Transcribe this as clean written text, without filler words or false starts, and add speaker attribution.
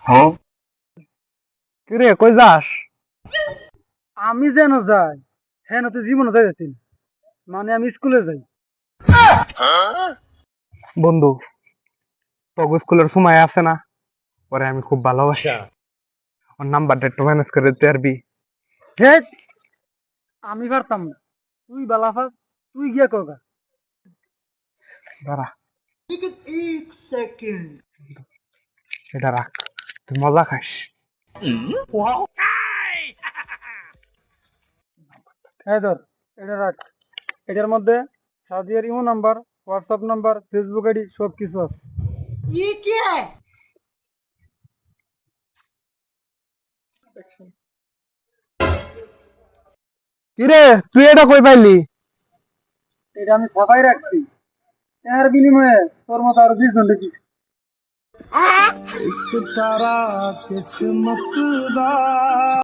Speaker 1: কিরে কই যাস?
Speaker 2: আমি যেন যাই হ্যাঁ তুই জীবনে যাই যাচ্ছি মানে আমি স্কুলে যাই।
Speaker 1: বন্ধু, তোর স্কুলের সময় আছে না? পরে আমি খুব ভালোবাসি, ওর নাম্বারটা একটু ম্যানেজ করে দিতে পারবি?
Speaker 2: হে, আমি পারতাম না, তুই বালাফাস, তুই গিয়া কগা।
Speaker 1: দাঁড়া, এটা রাখ, তুই মজা খাস।
Speaker 2: হ্যাঁ ধর, এটা রাখ। এটার মধ্যে সাদিয়ার imo number, WhatsApp number, Facebook ID সব কিছু আছে।
Speaker 1: কিরে তুই এটা কই পাইলি?
Speaker 2: এটা আমি ছাপাই রাখছি, এর বিনিময়ে তোর মতো আরো 20 জন দেখি।